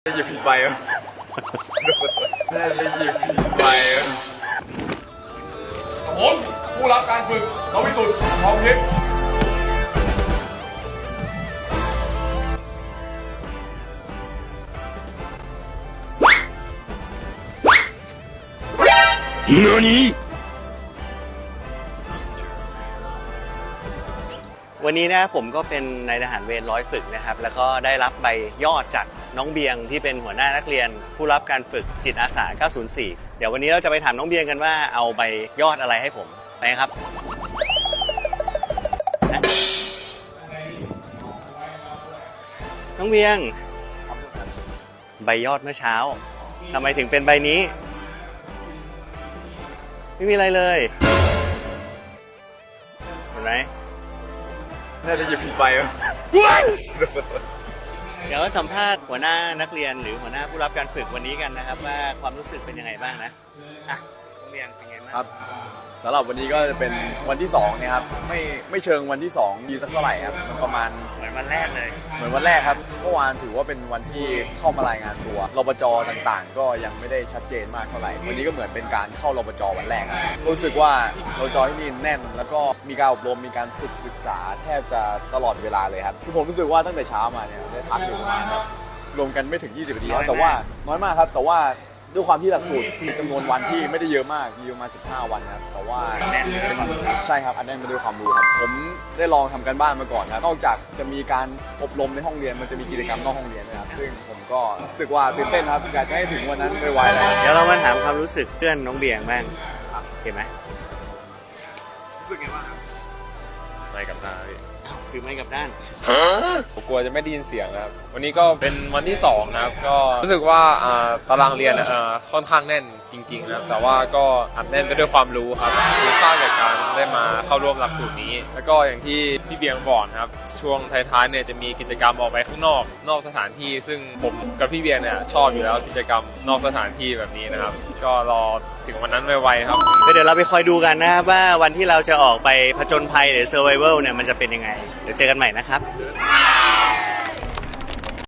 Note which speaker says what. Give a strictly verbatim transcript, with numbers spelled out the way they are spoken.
Speaker 1: ได้หยิบผิดใบอ่ะได้หยิบผิดใบอ่ะผมผู้รับการฝึกนวิสุทธิ์ทองทิพย์
Speaker 2: 何วันนี้นะผมก็เป็นนายทหารเวรร้อยฝึกนะครับแล้วก็ได้รับใบยอดจากน้องเบียงที่เป็นหัวหน้านักเรียนผู้รับการฝึกจิตอาสาเก้าศูนย์สี่เดี๋ยววันนี้เราจะไปถามน้องเบียงกันว่าเอาใบยอดอะไรให้ผมไปครับน้องเบียงใบยอดเมื่อเช้าทำไมถึงเป็นใบนี้ไม่มีอะไรเลยเห็นไหม
Speaker 1: ได้หยิบผิดใบอ่ะ
Speaker 2: เดี๋ยวสัมภาษณ์หัวหน้านักเรียนหรือหัวหน้าผู้รับการฝึกวันนี้กันนะครับว่าความรู้สึกเป็นยังไงบ้างนะอ่ะน้องเบียงเป็นไงบ้าง
Speaker 1: ครับสำหรับวันนี้ก็จะเป็นวันที่สองนะครับไม่ไม่เชิงวันที่สองดีสักเท่าไหร่ครับมันประมาณ
Speaker 2: เหมือนวันแรกเลย
Speaker 1: เหมือนวันแรกครับเมื่อวานถือว่าเป็นวันที่เข้ามารายงานตัวรปจต่างๆก็ยังไม่ได้ชัดเจนมากเท่าไหร่วันนี้ก็เหมือนเป็นการเข้ารปจวันแรกครับรู้สึกว่ารปจที่นี่แน่นแล้วก็มีการอบรมมีการฝึกศึกษาแทบจะตลอดเวลาเลยครับคือผมรู้สึกว่าตั้งแต่เช้ามาเนี่ยได้พักอยู่ประมาณแบบรวมกันไม่ถึงยี่สิบนาทีแต่ว่าน้อยมากครับแต่ว่าด้วยความที่หลักสูตรมีจำนวนวันที่ไม่ได้เยอะมากมีประมาณสิบห้าวันครับแต่ว่าใช่ครับอันนั้นมาด้วยความรู้ครับผมได้ลองทำกันบ้านมาก่อนครับนอกจากจะมีการอบรมในห้องเรียนมันจะมีกิจกรรมนอกห้องเรียนนะครับซึ่งผมก็รู้สึกว่าตื่นเต้นครับอยากจะให้ถึงวันนั้นไวๆแล้ว
Speaker 2: เดี๋ยวเรามาถามความรู้สึกเพื่อนน้องเบียงบ้างเห็นไหม
Speaker 1: รู้สึกไงบ้างครับ
Speaker 3: ไม่กับหน้าพี่
Speaker 2: คือไม่กับด้าน
Speaker 3: ผมกลัวจะไม่ได้ยินเสียงครับวันนี้ก็เป็นวันที่สองนะครับก็รู้สึกว่าตารางเรียนค่อนข้างแน่นจริงๆนะครับแต่ว่าก็อัดแน่นไปด้วยความรู้ครับคุ้มค่ากับการได้มาเข้าร่วมหลักสูตรนี้แล้วก็อย่างที่พี่เบียงบอกครับช่วงท้ายๆเนี่ยจะมีกิจกรรมออกไปข้างนอกนอกสถานที่ซึ่งผมกับพี่เบียงเนี่ยชอบอยู่แล้วกิจกรรมนอกสถานที่แบบนี้นะครับก็รอถึงวันนั้นไวๆครับ
Speaker 2: เดี๋ยวเราไปคอยดูกันนะครับว่าวันที่เราจะออกไปผจญภัยหรือ survival เนี่ยมันจะเป็นยังไงเดี๋ยวเจอกันใหม่นะครับ